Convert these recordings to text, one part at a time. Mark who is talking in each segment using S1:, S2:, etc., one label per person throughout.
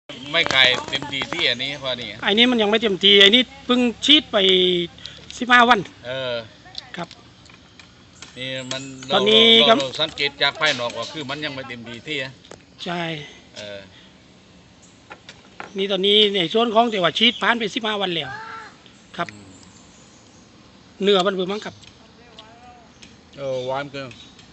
S1: ไม่ไกลเต็มทีที่อันนี้พอนี่
S2: ไอ้นี้มันยังไม่เต็มทีไอ้นี้เพิ่งฉีดไป15 วันครับ
S1: นี่มัน
S2: ตอนนี้
S1: เราสังเกตจากภายนอกว่าคือมันยังไม่เต็มทีที่
S2: ใช่นี่ตอนนี้ในส่วนของแต่ว่าฉีดผ่านไป15 วันแล้วครับเนื้อมันเบิ่งมั้งครับ
S1: หวานเกิน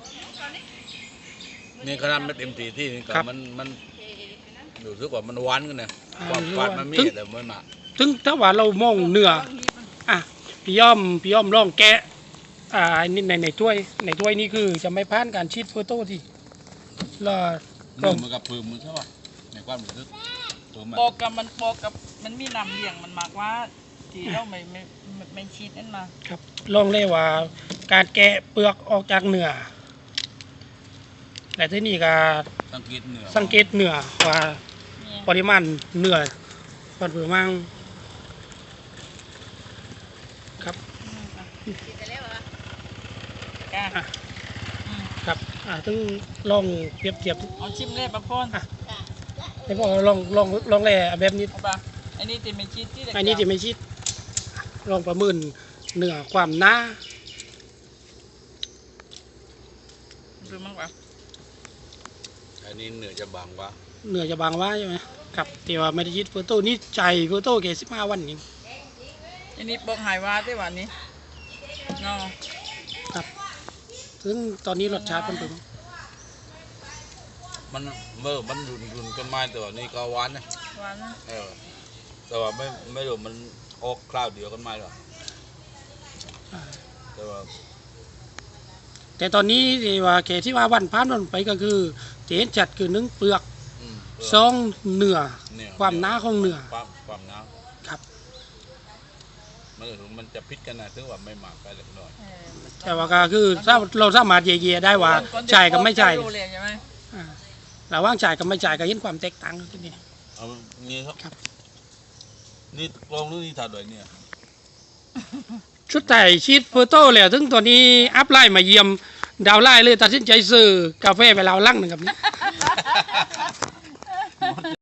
S1: นี่ขนาดไม่เต็มทีที่นี่ก็มันรู้สึกว่ามันหวานกันนะความหวานมันมีแต่ไม่มาก
S2: ถึงถ้าว่าเรามองเนื้อพี่ย่อมลองแกะนี่ในถ้วยนี่คือจะไม่ผ่านการชีดเฟอร์โต้ที่แล้ว
S1: เนื้อมันกับปืนมันใช่ป่ะในความรู้สึก
S3: โปกับมันมีน้ำเลี้ยงมันมากว่าที่เราไม่ชีดนั่นมา
S2: ครับลองเลยว่าการแกะเปลือกออกจากเนื้อแต่ที่นี่ก็สังเกตเนื้อว่าปริมาณเนื้อมันเพิ่มมากครับครับต้องลองเปรียบเทียบ
S3: เอาชิมเลยปะพ่น
S2: ให้พ่อลองเลยแบบนี้
S3: อันนี้จะไม่ชิดที่
S2: อันนี้จะไม่ชิดลองประเมินเนื้อความหนา
S3: ดูมั้งวะ
S1: อันนี้เนื้อจะบางวะ
S2: ใช่ไหมครับแต่ว่าไม่ได้ชิดเฟอร์โต้นี่ใจเฟอร์โต้แค่15 วันนี่
S3: อันนี้บอกหายว่าได้วันนี้เนาะ
S2: ครับซึ่งตอนนี้รสชาติมันเป็น
S1: มันรุนกันมาแต่ว่านี่ก็หวานนะแต่ว่าไม่รู้มันออกคราวเดียวกันมาหรอ
S2: แต่ตอนนี้ที่ว่าแค่ที่ว่าวันผ่านไปก็คือเห็นจัดคือ1 เปลือก2 เนื้อความหนาของเนื้อ
S1: ความหนา
S2: ครับ
S1: มันจะพิษกันนะถึงว่าไม่หมักไปเล็กน้อย
S2: แต่ว่าก็คือเราสามารถเย่ๆได้ว่าจ่ายกับไม่จ่ายระหว่างจ่ายกับไม่จ่ายก็เห็นความแตกต่างกันนี่
S1: นี่ครับนี่ลองดูนี่ถ่ายด้วยเนี่ย
S2: ชุดไต่ชีสเฟอร์โต้เลยถึงตัวนี้อัพไลน์มาเยี่ยมดาวไลน์เลยตัดสินใจซื้อกาแฟไปแล้วลังหนึ่งครับ